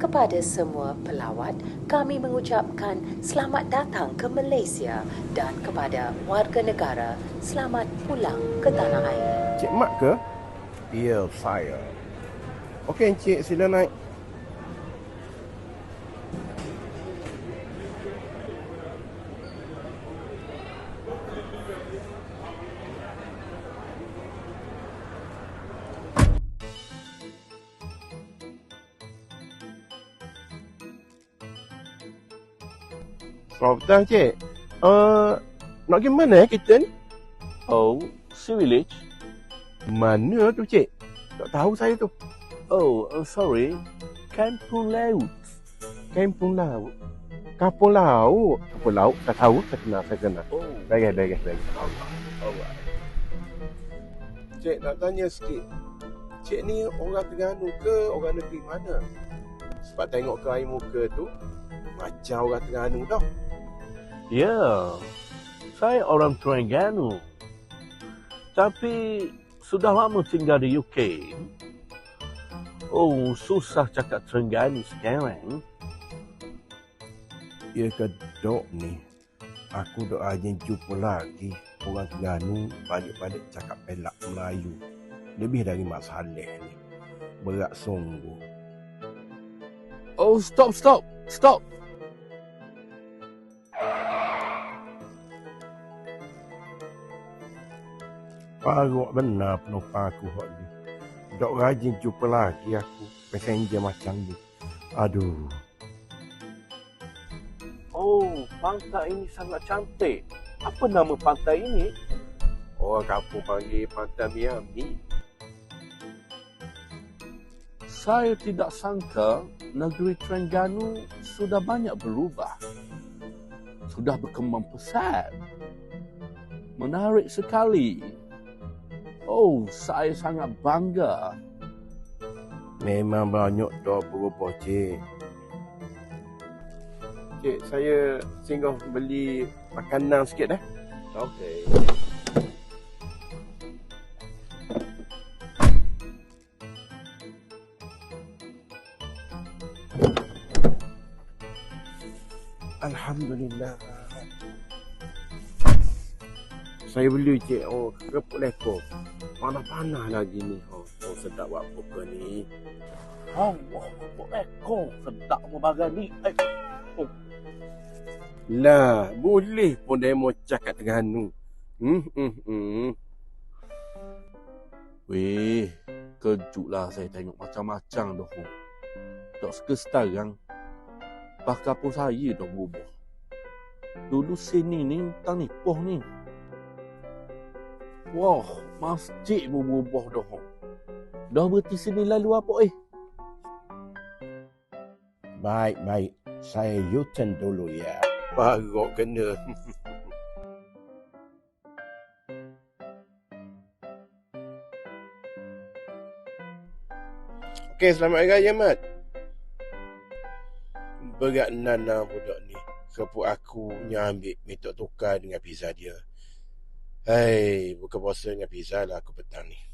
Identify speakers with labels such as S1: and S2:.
S1: Kepada semua pelawat, kami mengucapkan selamat datang ke Malaysia dan kepada warga negara, selamat pulang ke tanah air.
S2: Cik Mat ke? Ya, saya. Okey, Encik, sila naik. Selamat petang, Cik. Nak pergi mana kita ni?
S3: Oh, Sea Village?
S2: Mana tu, Cik? Tak tahu saya tu.
S3: Oh, sorry. Kampung Laut.
S2: Kampung Laut. Kampung Laut. Kampung Laut, tak tahu. Saya kenal.
S3: Oh,
S2: Bagus.
S3: alright.
S2: Cik, nak tanya sikit. Cik ni orang Terengganu ke orang negeri mana? Sebab tengok ke air muka tu, macam orang Terengganu tau.
S3: Ya, saya orang Terengganu. Tapi sudah lama tinggal di UK. Oh, susah cakap Terengganu sekarang.
S2: Ya ke dok ni, aku doanya jumpa lagi orang Terengganu balik-balik cakap pelak Melayu. Lebih dari Mak Saleh ni. Berat sungguh.
S3: Oh, stop.
S2: Paruk benar penumpang aku hot ni. Dok rajin jumpa lagi aku passenger macam ni. Aduh.
S3: Oh, pantai ini sangat cantik. Apa nama pantai ini?
S2: Orang kampung panggil Pantai Miami.
S3: Saya tidak sangka negeri Terengganu sudah banyak berubah. Sudah berkembang pesat. Menarik sekali. Oh, saya sangat bangga.
S2: Memang banyak dah berubah, Cik. Cik, saya singgah beli makanan sikit dah.
S3: Okey.
S2: Alhamdulillah. Saya beli, Cik. Oh, kerupuk lekor. Panas-panas lagi ni. Oh, sedap buat buka ni.
S3: Allah, ekor sedap berbagai ni. Oh.
S2: Lah, boleh pun demo cakap Terengganu.
S3: Weh, kejutlah saya tengok macam-macam dah. Tak sekarang, bahkan pun saya dah berubah. Dulu sini ni, tang nipoh ni. Wah, masjid pun berubah dah. Dah berhenti sini lalu apa
S2: Baik. Saya U-turn dulu ya. Baru kena. Okey, selamat hari raya, Mat. Berat nana budak ni. Kerupuk aku yang ambil minta tukar dengan pizza dia. Hai, buka puasa dengan pizza lah aku petang ni.